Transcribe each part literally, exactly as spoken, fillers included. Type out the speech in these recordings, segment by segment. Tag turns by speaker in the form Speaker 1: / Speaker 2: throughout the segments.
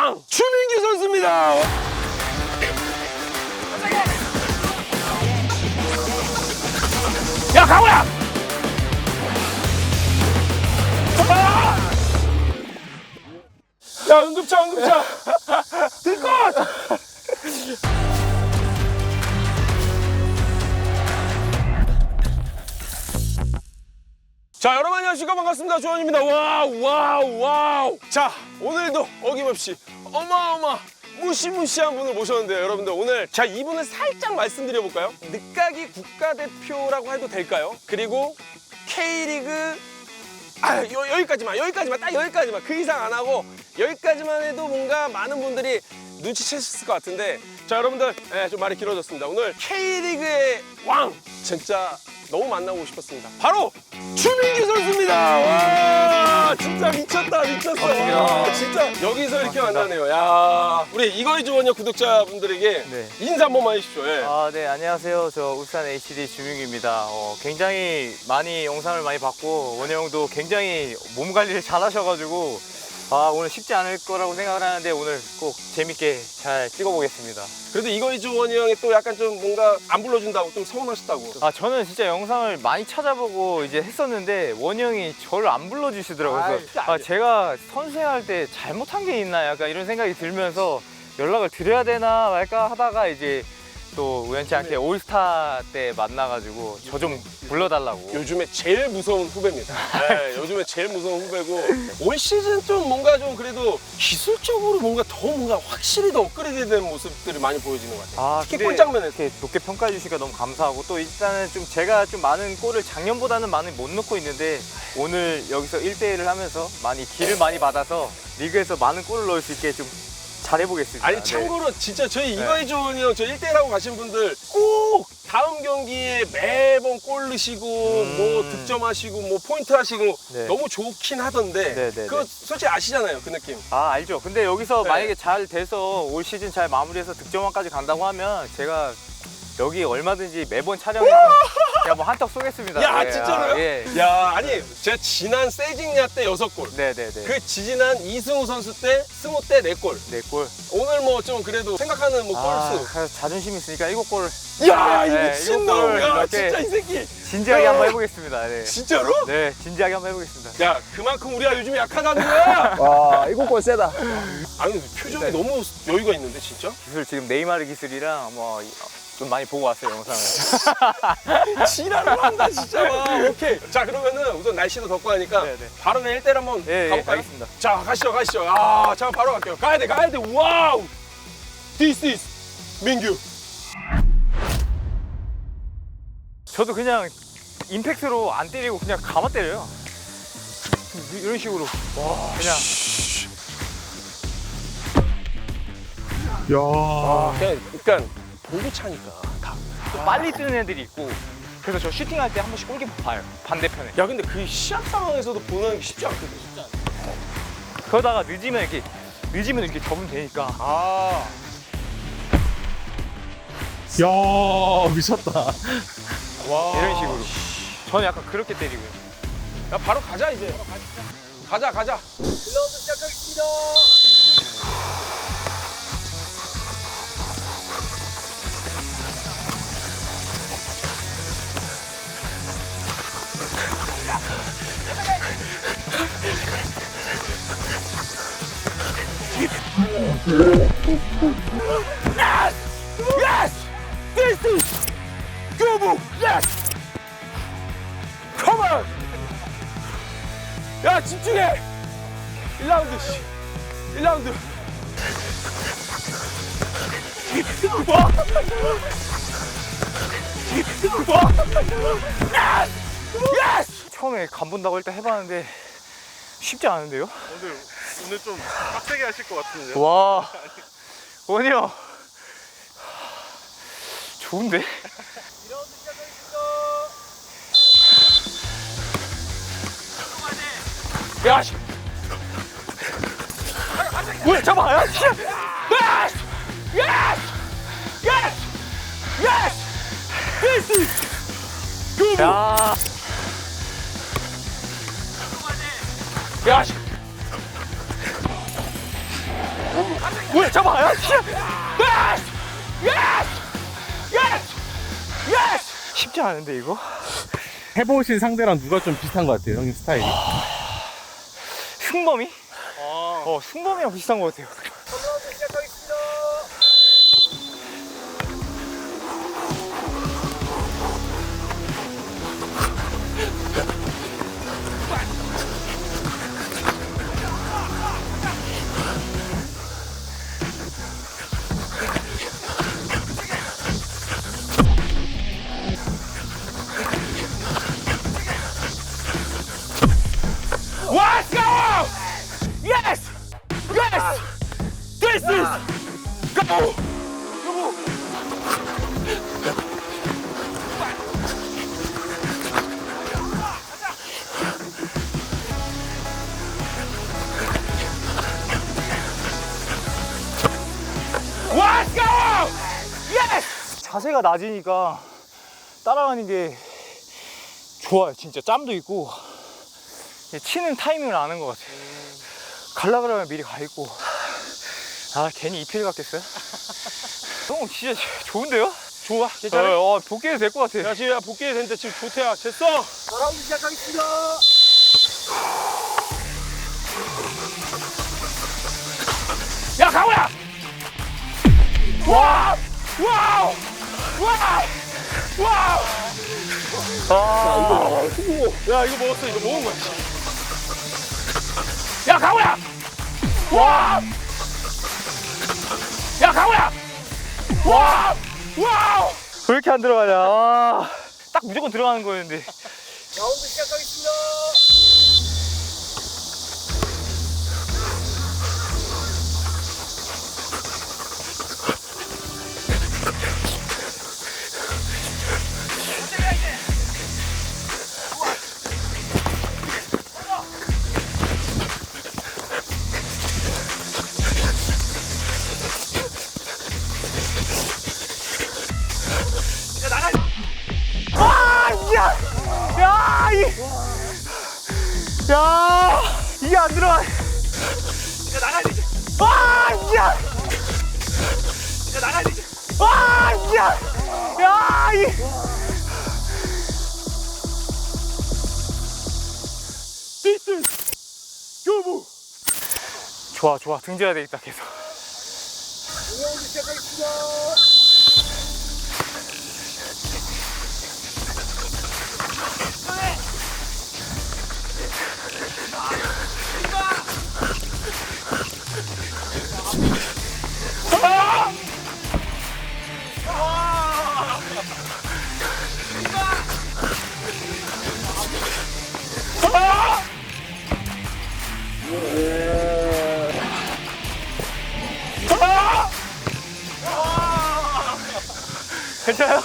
Speaker 1: 왕 추민규 선수입니다. 야 강호야! 아! 야 응급차 응급차 들것! 자 여러분 안녕하십니까 반갑습니다 조원입니다. 와우 와우 와우. 자 오늘도 어김없이 어마어마 무시무시한 분을 모셨는데요 여러분들. 오늘 자 이분을 살짝 말씀드려 볼까요? 늦가기 국가대표라고 해도 될까요? 그리고 K리그 아 여, 여기까지만 여기까지만 딱 여기까지만 그 이상 안 하고 여기까지만 해도 뭔가 많은 분들이 눈치채셨을 것 같은데 자 여러분들 네, 좀 말이 길어졌습니다. 오늘 K리그의 왕 진짜 너무 만나고 싶었습니다. 바로 추민규 선수입니다. 와 진짜 미쳤다 미쳤어. 와, 진짜 여기서 이렇게 만나네요. 야 우리 이거의 주원역 구독자분들에게
Speaker 2: 네.
Speaker 1: 인사 한 번만 해주십시오. 예.
Speaker 2: 아, 네, 안녕하세요. 저 울산 에이치디 주민규입니다. 어, 굉장히 많이 영상을 많이 봤고 원희 형도 굉장히 몸 관리를 잘 하셔가지고 아, 오늘 쉽지 않을 거라고 생각을 하는데 오늘 꼭 재밌게 잘 찍어보겠습니다.
Speaker 1: 그래도 이거의 주원이 형이 또 약간 좀 뭔가 안 불러준다고 좀 서운하셨다고.
Speaker 2: 아, 저는 진짜 영상을 많이 찾아보고 이제 했었는데 원희 형이 저를 안 불러주시더라고요.
Speaker 1: 아이,
Speaker 2: 그래서 아, 제가 선수생활 때 잘못한 게 있나 약간 이런 생각이 들면서 연락을 드려야 되나 말까 하다가 이제 또 우연치 않게 올스타 때 만나가지고 저 좀 불러달라고.
Speaker 1: 요즘에 제일 무서운 후배입니다. 네, 요즘에 제일 무서운 후배고 올 시즌 좀 뭔가 좀 그래도 기술적으로 뭔가 더 뭔가 확실히 더 업그레이드된 모습들이 많이 보여지는 것 같아요.
Speaker 2: 아,
Speaker 1: 특히
Speaker 2: 근데
Speaker 1: 골장면에서.
Speaker 2: 이렇게 높게 평가해 주시니까 너무 감사하고 또 일단은 좀 제가 좀 많은 골을 작년보다는 많이 못 넣고 있는데 오늘 여기서 일 대 일을 하면서 많이 기를 많이 받아서 리그에서 많은 골을 넣을 수 있게 좀 잘해보겠습니다.
Speaker 1: 아니
Speaker 2: 네.
Speaker 1: 참고로 진짜 저희 이거의 좋은 형 저 일 대 일 하고 가신 분들 꼭 다음 경기에 매번 골 넣으시고
Speaker 2: 음.
Speaker 1: 뭐 득점하시고 뭐 포인트 하시고
Speaker 2: 네.
Speaker 1: 너무 좋긴 하던데
Speaker 2: 네, 네,
Speaker 1: 그거
Speaker 2: 네.
Speaker 1: 솔직히 아시잖아요 그 느낌.
Speaker 2: 아, 알죠. 근데 여기서
Speaker 1: 네.
Speaker 2: 만약에 잘 돼서 올 시즌 잘 마무리해서 득점왕까지 간다고 하면 제가 여기 얼마든지 매번 촬영해서 그냥 뭐 한턱 쏘겠습니다.
Speaker 1: 야
Speaker 2: 네,
Speaker 1: 진짜로요?
Speaker 2: 아, 예.
Speaker 1: 야 아니 제가 지난 세징야 때 여섯 골
Speaker 2: 네네네.
Speaker 1: 그 지지난 이승우 선수 때 승우 때 네 골
Speaker 2: 네 골.
Speaker 1: 오늘 뭐 좀 그래도 생각하는 뭐
Speaker 2: 아,
Speaker 1: 골수
Speaker 2: 그래서 자존심 있으니까 일곱 골.
Speaker 1: 야 이
Speaker 2: 네,
Speaker 1: 미친놈
Speaker 2: 일곱 골
Speaker 1: 야
Speaker 2: 이렇게
Speaker 1: 진짜 이 새끼
Speaker 2: 진지하게
Speaker 1: 야.
Speaker 2: 한번 해보겠습니다. 네.
Speaker 1: 진짜로?
Speaker 2: 네, 진지하게 한번 해보겠습니다.
Speaker 1: 야 그만큼 우리가 요즘에 약하다는 거야.
Speaker 3: 와, 일곱 골 세다.
Speaker 1: 아니 표정이
Speaker 2: 네.
Speaker 1: 너무 여유가 있는데 진짜?
Speaker 2: 기술 지금 네이마르 기술이랑 뭐 좀 많이 보고 왔어요 영상을.
Speaker 1: 지랄을 한다 진짜. 와, 오케이. 자 그러면은 우선 날씨도 덥고 하니까
Speaker 2: 네, 네.
Speaker 1: 바로 그냥 일 대 일 한번
Speaker 2: 예, 예,
Speaker 1: 가볼까요?
Speaker 2: 알겠습니다.
Speaker 1: 자 가시죠 가시죠. 아, 자 바로 갈게요. 가야 돼 가야 돼. 와우. This is 민규.
Speaker 2: 저도 그냥 임팩트로 안 때리고 그냥 감아 때려요. 이- 이런 식으로. 와, 그냥.
Speaker 1: 아, 그냥 그러니까 보기 차니까 다.
Speaker 2: 또 빨리 뜨는 애들이 있고. 그래서 저 슈팅할 때 한 번씩 골키퍼 봐요. 반대편에.
Speaker 1: 야 근데 그 시합 상황에서도 보는 게 쉽지 않거든.
Speaker 2: 그러다가 늦으면 이렇게 늦으면 이렇게 접으면 되니까.
Speaker 1: 아.
Speaker 3: 야, 미쳤다.
Speaker 1: 와.
Speaker 2: 이런 식으로. 저는 약간 그렇게 때리고요.
Speaker 1: 야 바로 가자 이제. 가자 가자. Yes! This is Gobu! Yes! Come on! 야 집중해! 일 라운드 씨. 일 라운드. 와! 와! 예스!
Speaker 2: 처음에 간 본다고 일단 해봤는데 쉽지 않은데요?
Speaker 4: 오늘 오늘 좀 빡세게 하실 것 같은데요?
Speaker 2: 와, 원희 형. 좋은데?
Speaker 1: 야 씨. 왜 잡아? 야 씨. 예스! 예스! 예스! 예스! This is Gobu!
Speaker 2: 야,
Speaker 1: 야 씨.
Speaker 2: 뭐야, 잡아. 야, 진짜. 예스! 예스! 예스! 쉽지 않은데, 이거?
Speaker 3: 해보신 상대랑 누가 좀 비슷한 것 같아요, 형님 스타일이?
Speaker 2: 승범이? 어, 승범이랑 비슷한 것 같아요.
Speaker 1: Let's go! Yes! Yes! This is go! Let's go! Yes!
Speaker 2: 자세가 낮으니까 따라가는 게 좋아요. 진짜 짬도 있고 치는 타이밍을 아는 것 같아요. 갈라 그러면 미리 가 있고. 아, 괜히 이피엘 같겠어요? 형 진짜 좋은데요?
Speaker 1: 좋아, 괜찮아?
Speaker 2: 어, 어, 복귀해도 될 것 같아.
Speaker 1: 야, 지금 복귀해야 되는데 지금 좋대야. 됐어?
Speaker 5: 라운드 시작하겠습니다.
Speaker 1: 야, 강호야! 와! 와우! 와우! 와우! 아, 야, 이거 먹었어. 이거 먹은 거야. 야, 강호야! 와! 야, 강호야! 와! 와우!
Speaker 2: 왜 이렇게 안 들어가냐? 아, 딱 무조건 들어가는 거였는데.
Speaker 5: 라운드 시작하겠습니다.
Speaker 2: 아, 야! 야, 이! 야! 이게 안 들어가.
Speaker 5: 이제 나가야 되지.
Speaker 2: 아, 야!
Speaker 5: 이제 나가야 되지.
Speaker 2: 아, 야! 야, 이!
Speaker 1: 디스! 교부!
Speaker 2: 좋아, 좋아. 등져야 되겠다, 계속.
Speaker 5: 라운드 시작하겠습니다.
Speaker 2: 괜찮아요?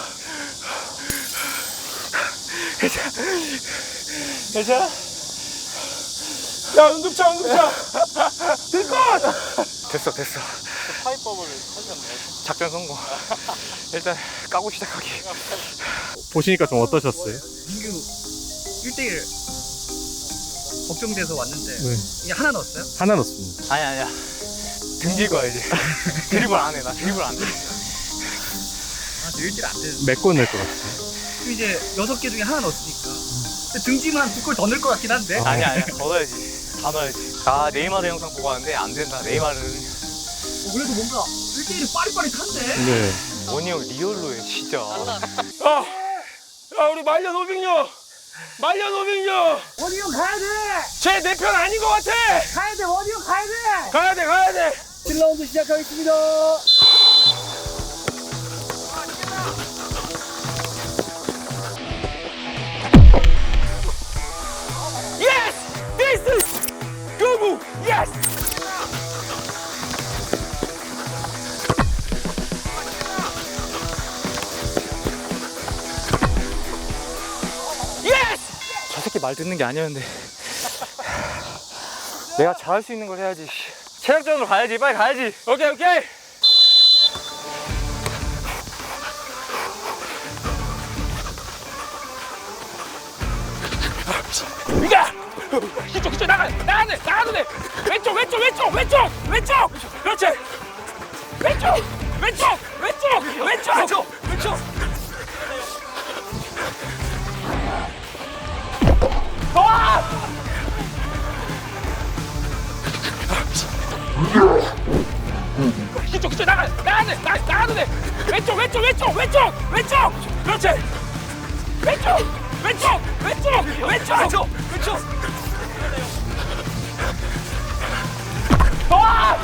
Speaker 2: 괜찮아?
Speaker 1: 야, 응급차, 응급차! 들것!
Speaker 2: 됐어, 됐어.
Speaker 4: 파이법을 하셨네요.
Speaker 2: 작전 성공. 일단 까고 시작하기.
Speaker 3: 보시니까 좀 어떠셨어요?
Speaker 5: 민규 일 대일 걱정돼서 왔는데
Speaker 3: 네.
Speaker 5: 이게 하나 넣었어요?
Speaker 3: 하나 넣습니다.
Speaker 2: 아니, 아니야. 등질 거야, 이제. 드리블 안 해, 나 드리블 안 해.
Speaker 5: 아, 저 일 대일 안 되는데.
Speaker 3: 몇 골 넣을 것 같아요?
Speaker 5: 그럼 이제 여섯 개 중에 하나 넣었으니까. 근데 등짐은 한 두 골 더 넣을 것 같긴 한데.
Speaker 3: 어.
Speaker 2: 아니야, 아니야. 더 넣어야지. 다 넣어야지. 아, 네이마르 영상 보고 왔는데 안 된다. 네이마르는.
Speaker 5: 어, 그래도 뭔가 일 대일이 빠릿빠릿한데.
Speaker 3: 네.
Speaker 2: 원희 형 리얼로 해, 진짜.
Speaker 1: 야! 야, 우리 말년 오백녀! 말년 오백녀!
Speaker 5: 원희 형 가야 돼.
Speaker 1: 쟤 내 편 아닌 것 같아!
Speaker 5: 가야 돼. 원희 형 가야 돼.
Speaker 1: 가야 돼, 가야 돼!
Speaker 5: 칠 라운드 시작하겠습니다.
Speaker 1: Yes! This is 교부! Yes! Yes!
Speaker 2: 저 새끼 말 듣는 게 아니었는데. 내가 잘할 수 있는 걸 해야지. 체력전으로 가야지. 빨리 가야지.
Speaker 1: 오케이, 오케이! 이가! 이쪽, 이쪽 나가! 나가야 돼! 나가도 돼! 왼쪽, 왼쪽, 왼쪽, 왼쪽! 왼쪽! 그렇지! 왼쪽 왼쪽 왼쪽 왼쪽 왼쪽 왼쪽 와! 이쪽 이쪽 나가 나가도 돼 나, 나가도 돼 왼쪽 왼쪽 왼쪽 왼쪽 왼쪽 그렇지 왼쪽 왼쪽 왼쪽 왼쪽 왼쪽 왼쪽 와!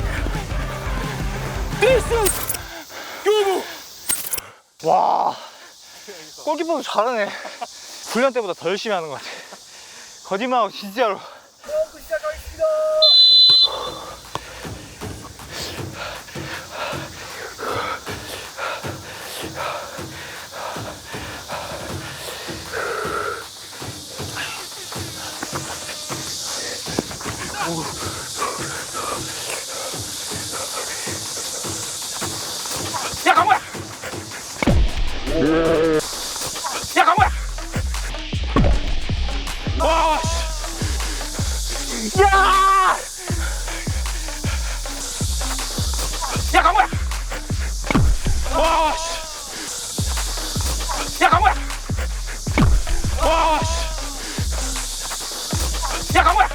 Speaker 1: This is 교부
Speaker 2: 와, 골키퍼도 잘하네. 훈련 때보다 더 열심히 하는 것 같아. 거짓말하고 진짜로.
Speaker 1: 야 강호야 야 강호야 와 씨. 야! 야 강호야 와 씨. 야 강호야 와 씨. 야 강호야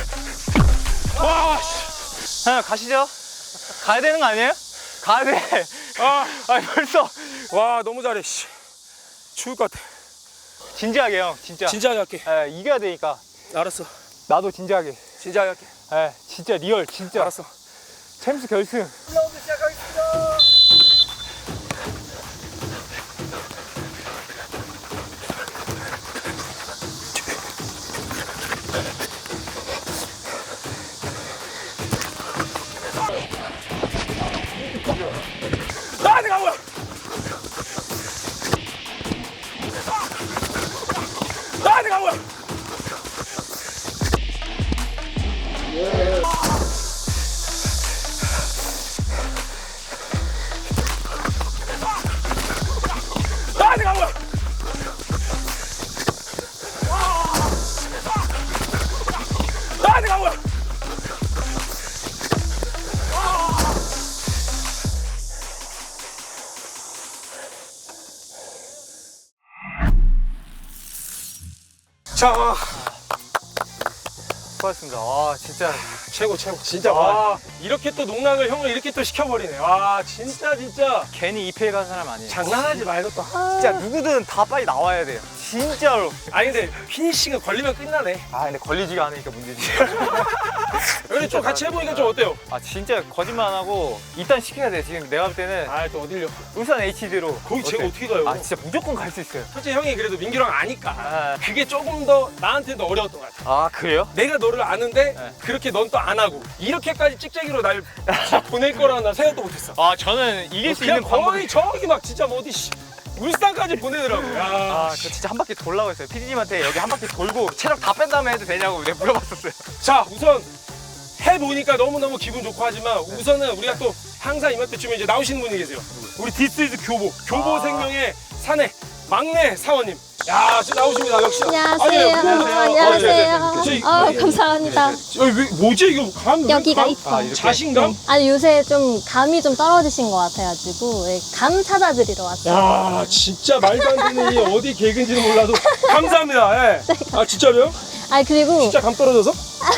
Speaker 1: 와 씨.
Speaker 2: 형 가시죠. 가야 되는 거 아니에요? 가야 돼.
Speaker 1: 아,
Speaker 2: 아니 벌써.
Speaker 1: 와 너무 잘해 씨. 추울 것 같아
Speaker 2: 진지하게 형, 진짜.
Speaker 1: 진지하게 할게
Speaker 2: 예, 이겨야 되니까.
Speaker 1: 알았어
Speaker 2: 나도 진지하게.
Speaker 1: 진지하게 할게
Speaker 2: 예, 진짜 리얼, 진짜.
Speaker 1: 알았어
Speaker 2: 챔스 결승.
Speaker 1: 나한테 강호야 나한테 강호야 나한테 강호야 나한테 강호야 자
Speaker 2: 수고하셨습니다. 와, 진짜.
Speaker 1: 최고 최고 진짜 와 이렇게 또 농락을 형을 이렇게 또 시켜버리네 와 진짜 진짜
Speaker 2: 괜히 이 피해 간 사람 아니에요.
Speaker 1: 장난하지 말고 또
Speaker 2: 진짜 누구든 다 빨리 나와야 돼요. 진짜로.
Speaker 1: 아니 근데 피니싱은 걸리면 끝나네
Speaker 2: 아, 근데 걸리지가 않으니까 문제지.
Speaker 1: 근데 좀 같이 해보니까 좀 어때요?
Speaker 2: 아, 진짜 거짓말 안 하고 일단 시켜야 돼. 지금 내가 볼 때는
Speaker 1: 아 또 어딜려
Speaker 2: 울산 에이치디로.
Speaker 1: 거기 제가 어떻게 가요?
Speaker 2: 아, 진짜 무조건 갈 수 있어요.
Speaker 1: 솔직히 형이 그래도 민규랑 아니까
Speaker 2: 아,
Speaker 1: 그게 조금 더 나한테도 어려웠던 것 같아
Speaker 2: 아 그래요?
Speaker 1: 내가 너를 아는데
Speaker 2: 네.
Speaker 1: 그렇게 넌 또 안 하고 이렇게까지 찍찍이로 날 보낼 거라는 난 생각도 못했어
Speaker 2: 아, 저는 이길 수
Speaker 1: 그냥
Speaker 2: 있는 방법이.
Speaker 1: 거의 저기 막 진짜 뭐 어디 씨, 울산까지 보내더라고 야
Speaker 2: 아, 저 진짜 한 바퀴 돌라고 했어요. 피디님한테 여기 한 바퀴 돌고 체력 다 뺀 다음에 해도 되냐고 내가 물어봤었어요.
Speaker 1: 자 우선 해보니까 너무너무 기분 좋고 하지만 우선은 우리가 또 항상 이맘때쯤에 이제 나오시는 분이 계세요 우리 디스이즈 교보 교보
Speaker 2: 아.
Speaker 1: 생명의 사내 막내 사원님 야 지금 나오십니다 역시
Speaker 6: 안녕하세요. 안녕하세요.
Speaker 1: 저희-
Speaker 6: 어, 감사합니다.
Speaker 1: 여기 왜, 뭐지 이거 감 왜
Speaker 6: 여기가
Speaker 1: 감-
Speaker 6: 이뻐.
Speaker 1: 아, 자신감?
Speaker 6: 아니 요새 좀 감이 좀 떨어지신 것 같아가지고 예, 감 찾아드리러 왔어요.
Speaker 1: 야 진짜 말도 안 되는 이 어디 개그인지는 몰라도 감사합니다 예. 아 진짜로요?
Speaker 6: 아니 그리고
Speaker 1: 진짜 감 떨어져서?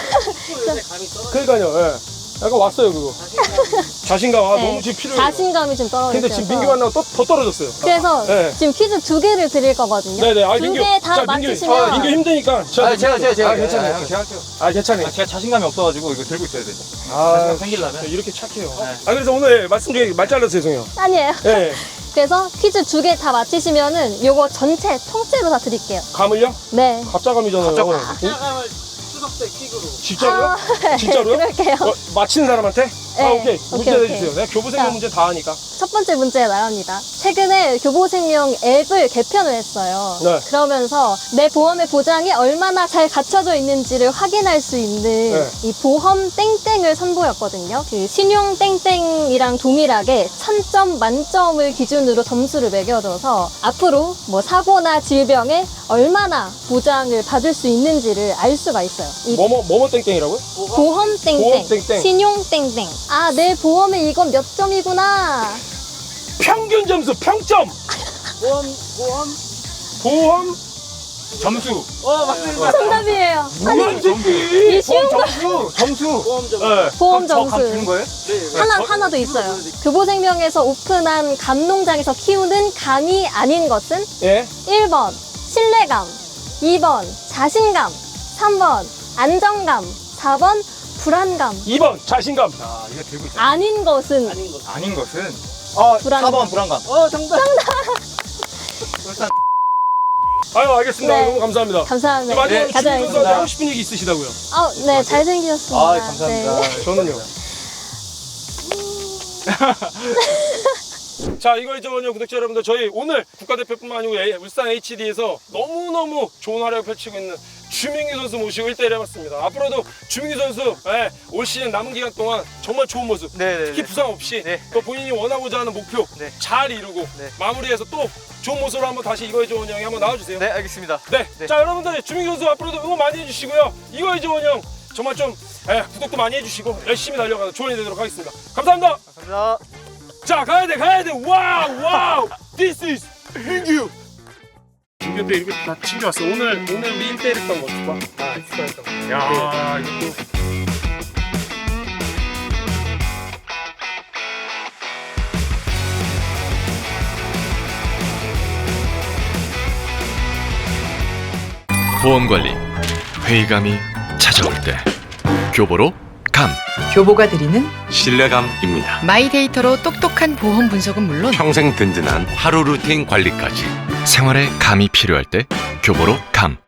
Speaker 1: 그러니까요 예. 약간 왔어요 그거 자신감 아
Speaker 6: 네,
Speaker 1: 너무 지금 필요해요
Speaker 6: 자신감이 좀 떨어지셔서.
Speaker 1: 근데 지금 민규 만나고 또, 더 떨어졌어요
Speaker 6: 그래서
Speaker 1: 네.
Speaker 6: 지금 퀴즈 두 개를 드릴 거거든요.
Speaker 1: 네네 아
Speaker 6: 두
Speaker 1: 민규
Speaker 6: 개 다
Speaker 1: 자, 민규,
Speaker 6: 맞히시면
Speaker 1: 아, 민규 힘드니까 저,
Speaker 2: 아, 제가, 제가, 제가.
Speaker 1: 아 괜찮아요
Speaker 2: 아, 제가 할게요.
Speaker 1: 아 괜찮아요
Speaker 2: 제가 자신감이 없어가지고 이거 들고 있어야 돼.
Speaker 1: 아
Speaker 2: 자신감 생기려면.
Speaker 1: 이렇게 착해요 아 그래서 오늘 말씀 중에 말 잘라서 죄송해요
Speaker 6: 아니에요.
Speaker 1: 예
Speaker 6: 그래서 퀴즈 두 개 다 맞히시면은 요거 전체 통째로 다 드릴게요.
Speaker 1: 감을요?
Speaker 6: 네.
Speaker 1: 갑자감이잖아요
Speaker 2: 갑자감.
Speaker 4: 추석 때 킥으로.
Speaker 1: 진짜로요?
Speaker 6: 아, 네,
Speaker 1: 진짜로요?
Speaker 6: 그럴게요.
Speaker 1: 어, 맞히는 사람한테? 아
Speaker 6: 네,
Speaker 1: 오케이 문제
Speaker 6: 오케이,
Speaker 1: 내주세요
Speaker 6: 오케이.
Speaker 1: 내가 교부생명
Speaker 6: 자.
Speaker 1: 문제 다 하니까
Speaker 6: 첫 번째 문제 나갑니다. 최근에 교보생명 앱을 개편을 했어요.
Speaker 1: 네.
Speaker 6: 그러면서 내 보험의 보장이 얼마나 잘 갖춰져 있는지를 확인할 수 있는
Speaker 1: 네.
Speaker 6: 이 보험 땡땡을 선보였거든요. 그 신용 땡땡이랑 동일하게 천 점 만점을 기준으로 점수를 매겨줘서 앞으로 뭐 사고나 질병에 얼마나 보장을 받을 수 있는지를 알 수가 있어요. 이
Speaker 1: 뭐뭐 뭐뭐 땡땡이라고요?
Speaker 6: 보험 땡땡,
Speaker 1: 보험 땡땡.
Speaker 6: 신용 땡땡. 아, 내 보험에 이건 몇 점이구나.
Speaker 1: 평균 점수 평점.
Speaker 4: 보험 보험
Speaker 1: 보험 점수.
Speaker 4: 어 맞습니다.
Speaker 6: 정답이에요.
Speaker 1: 뭐야 이 새끼.
Speaker 6: 이 쉬운 거
Speaker 2: 점수 점수.
Speaker 4: 보험 점.
Speaker 1: 네.
Speaker 6: 보험
Speaker 2: 저감
Speaker 6: 점수.
Speaker 2: 주는 거예요?
Speaker 4: 네.
Speaker 6: 하나, 하나 더 있어요. 교보생명에서 오픈한 감 농장에서 키우는 감이 아닌 것은?
Speaker 1: 예.
Speaker 6: 일 번 신뢰감, 이 번 자신감, 삼 번 안정감, 사 번 불안감.
Speaker 1: 이 번 자신감.
Speaker 2: 아 이거 들고 있어.
Speaker 6: 아닌 것은?
Speaker 4: 아닌 것.
Speaker 2: 아닌 것은 어
Speaker 6: 불안감.
Speaker 2: 사 번 불안감.
Speaker 4: 어 정답.
Speaker 2: 울산
Speaker 1: 아유 알겠습니다.
Speaker 6: 네.
Speaker 1: 너무 감사합니다.
Speaker 6: 감사합니다.
Speaker 1: 마지막으로
Speaker 6: 네,
Speaker 1: 주민
Speaker 6: 가져가겠습니다.
Speaker 1: 선수한테 하고 싶은 얘기 있으시다고요?
Speaker 6: 아, 네, 잘생기셨습니다.
Speaker 2: 아 감사합니다.
Speaker 6: 네.
Speaker 1: 저는요. 자, 이거 이제는요 구독자 여러분들, 저희 오늘 국가대표뿐만 아니고 에- 울산 에이치디에서 너무너무 좋은 활약을 펼치고 있는 주민규 선수 모시고 일 대일 해봤습니다. 앞으로도 주민규 선수 예, 올 시즌 남은 기간 동안 정말 좋은 모습,
Speaker 2: 네네.
Speaker 1: 특히 부상 없이
Speaker 2: 네.
Speaker 1: 또 본인이 원하고자 하는 목표
Speaker 2: 네.
Speaker 1: 잘 이루고
Speaker 2: 네.
Speaker 1: 마무리해서 또 좋은 모습으로 한번 다시 이거의 좋은 형이 한번 나와주세요.
Speaker 2: 네 알겠습니다.
Speaker 1: 네.
Speaker 2: 네.
Speaker 1: 자, 여러분들 주민규 선수 앞으로도 응원 많이 해주시고요. 이거의 좋은 형 정말 좀 예, 구독도 많이 해주시고 열심히 달려가서 조언이 되도록 하겠습니다. 감사합니다.
Speaker 2: 감사합니다.
Speaker 1: 자, 가야 돼, 가야 돼. 와우, 와우. This is 민규. 김규대 이렇게 다 챙겨왔어. 오늘 오늘 우리 일 대일 했던 거 좋아.
Speaker 2: 아 수고했다.
Speaker 1: 야, 이것도.
Speaker 7: 보험관리 회의감이 찾아올 때 교보로 감
Speaker 8: 교보가 드리는
Speaker 7: 신뢰감입니다.
Speaker 8: 마이데이터로 똑똑한 보험 분석은 물론
Speaker 7: 평생 든든한 하루 루틴 관리까지 생활에 감이 필요할 때 교보로 감.